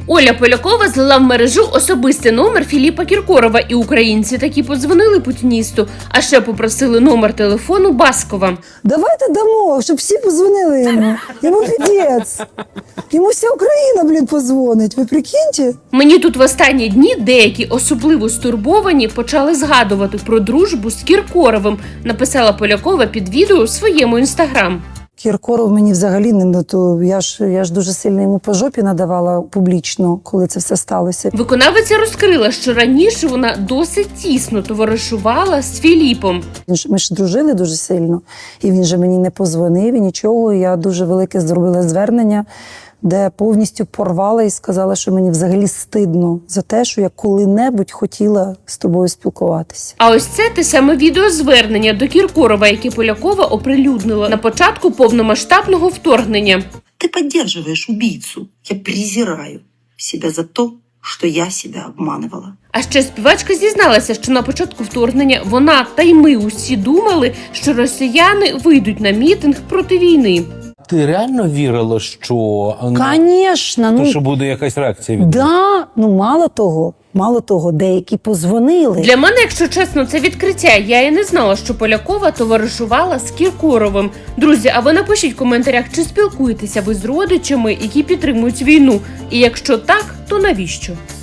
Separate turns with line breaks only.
Оля Полякова злила в мережу особистий номер Філіпа Кіркорова, і українці таки подзвонили путіністу, а ще попросили номер телефону Баскова.
Давайте дамо, щоб всі позвонили йому. Йому піздець. Йому вся Україна, позвонить. Ви прикиньте?
Мені тут в останні дні деякі особливо стурбовані почали згадувати про дружбу з Кіркоровим, написала Полякова під відео у своєму інстаграм.
Кіркоров мені взагалі не то. Я ж дуже сильно йому по жопі надавала публічно, коли це все сталося.
Виконавиця розкрила, що раніше вона досить тісно товаришувала з Філіпом.
Ми ж дружили дуже сильно, і він же мені не позвонив, і нічого. Я дуже велике зробила звернення, де повністю порвала і сказала, що мені взагалі стидно за те, що я коли-небудь хотіла з тобою спілкуватися.
А ось це те саме відеозвернення до Кіркорова, яке Полякова оприлюднила на початку повномасштабного вторгнення.
Ты поддерживаешь убийцу. Я презираю себя за то, що я себе обманывала.
А ще співачка зізналася, що на початку вторгнення вона та й ми усі думали, що росіяни вийдуть на мітинг проти війни.
Ти реально вірила, що
Конечно,
що буде якась реакція від них?
Да, мало того, деякі позвонили.
Для мене, якщо чесно, це відкриття. Я і не знала, що Полякова товаришувала з Кіркоровим. Друзі, а ви напишіть в коментарях, чи спілкуєтеся ви з родичами, які підтримують війну? І якщо так, то навіщо?